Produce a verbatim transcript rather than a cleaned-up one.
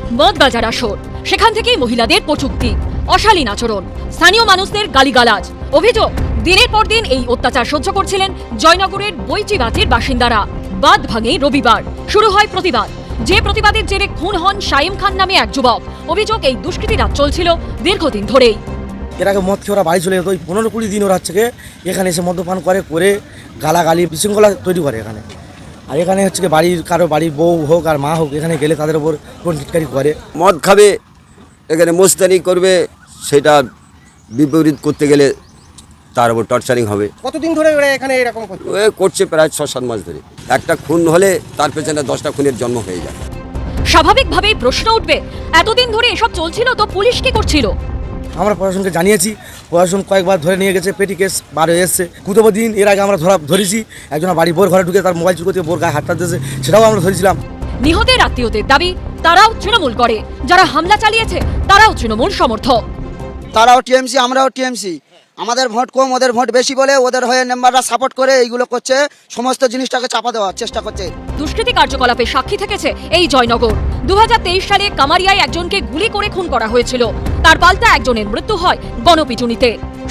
মদ গাজার আসর, সেখান থেকেই মহিলাদের কটূক্তি, অশালীন আচরণ, স্থানীয় মানুষদের গালিগালাজ। অভিযোগ, দিনের পর দিন এই অত্যাচার সহ্য করছিলেন জয়নগরের বৈচিবাতির বাসিন্দারা। বাদ ভাঙে রবিবার, শুরু হয় প্রতিবাদ। যে প্রতিবাদের জেরে খুন হন শাইম খান নামে এক যুবক। অভিযোগ, এই দুষ্কৃতিরা চলছিল দীর্ঘদিন ধরেই। এর আগে মদ খেয়ে ওরা বাড়ি চলে যেত, ওই পনেরো কুড়ি দিন ওরা হচ্ছে এখানে এসে মদ্যপান করে করে গালাগালি বিশৃঙ্খলা তৈরি করে এখানে। আর এখানে হচ্ছে কি বাড়ির কারো বাড়ির বউ হোক আর মা হোক, এখানে গেলে তাদের উপর কোন টিটকারি করে। মদ খাবে, এখানে মোস্তানি করবে, সেটা বিপরীত করতে গেলে তার উপর টর্চারিং হবে। কতদিন ধরে ওরা এখানে এরকম করছে? ও করছে প্রায় ছ সাত মাস ধরে। একটা খুন হলে তার পেছনে দশটা খুনের জন্ম হয়ে যায়। স্বাভাবিকভাবেই প্রশ্ন উঠবে, এতদিন ধরে এসব চলছিল তো পুলিশ কি করছিল? আমরা প্রশাসনকে জানিয়েছি, প্রশাসন কয়েকবার ধরে নিয়ে গেছে, পেটি কেস বার হয়ে এসছে। কুতব দিন এর আগে আমরা ধরা ধরেছি, একজন বাড়ি বোর ঘরে ঢুকে তার মোবাইল চুরি করতে বোর গায়ে হাতটা দিয়েছে, সেটাও আমরা ধরেছিলাম। নিহতের আত্মীয়দের দাবি, তারাও তৃণমূল করে, যারা হামলা চালিয়েছে তারাও তৃণমূল সমর্থক। তারাও টিএমসি, আমরাও টিএমসি। আমাদের ভোট কম, ওদের ভোট বেশি বলে ওদের হয়ে মেম্বাররা সাপোর্ট করে এইগুলো করছে, সমস্ত জিনিসটাকে চাপা দেওয়ার চেষ্টা করছে। দুষ্কৃতী কার্যকলাপে সাক্ষী থেকেছে এই জয়নগর। দু হাজার তেইশ সালে কামারিয়ায় একজনকে গুলি করে খুন করা হয়েছিল, তার পাল্টা একজনের মৃত্যু হয় গণপিটুনিতে।